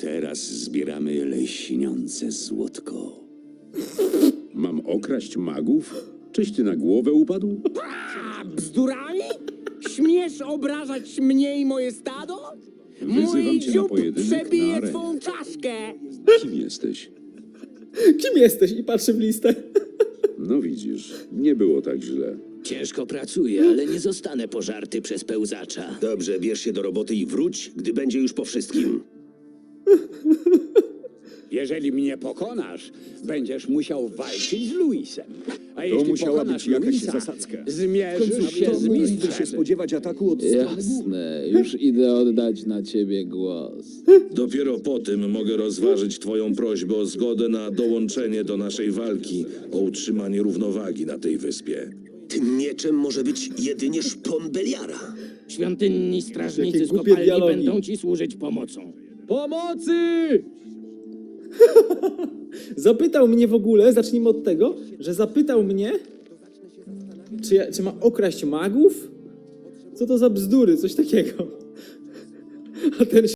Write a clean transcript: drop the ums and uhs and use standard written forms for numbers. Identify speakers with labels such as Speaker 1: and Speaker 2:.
Speaker 1: Teraz zbieramy lśniące złotko.
Speaker 2: Mam okraść magów? Czyś ty na głowę upadł?
Speaker 3: A bzdurami? Śmiesz obrażać mnie i moje stado? Mój
Speaker 2: Wyzywam cię na
Speaker 3: dziób
Speaker 2: pojedynek na
Speaker 3: przebije
Speaker 2: arenie.
Speaker 3: twą czaszkę.
Speaker 2: Kim jesteś?
Speaker 4: Kim jesteś? I patrzę w listę.
Speaker 2: No widzisz, nie było tak źle.
Speaker 5: Ciężko pracuję, ale nie zostanę pożarty przez pełzacza.
Speaker 1: Dobrze, bierz się do roboty i wróć, gdy będzie już po wszystkim.
Speaker 3: Jeżeli mnie pokonasz, będziesz musiał walczyć z Luisem. A jeśli
Speaker 2: musiała
Speaker 3: pokonasz
Speaker 2: być jakaś
Speaker 3: Luisa,
Speaker 2: zasadzka.
Speaker 3: zmierzysz się z mistrzem.
Speaker 1: spodziewać ataku od
Speaker 6: Jasne, już idę oddać na ciebie głos.
Speaker 7: Dopiero po tym mogę rozważyć twoją prośbę o zgodę na dołączenie do naszej walki o utrzymanie równowagi na tej wyspie.
Speaker 1: Tym mieczem może być jedynie szpon Beliara.
Speaker 5: Świątynni strażnicy
Speaker 4: Jakie
Speaker 5: z
Speaker 4: głupie
Speaker 5: kopalni
Speaker 4: dialogi.
Speaker 5: będą ci służyć pomocą.
Speaker 3: Pomocy!
Speaker 4: Zapytał mnie w ogóle, zacznijmy od tego, że zapytał mnie, czy ma okraść magów? Co to za bzdury, coś takiego. A ten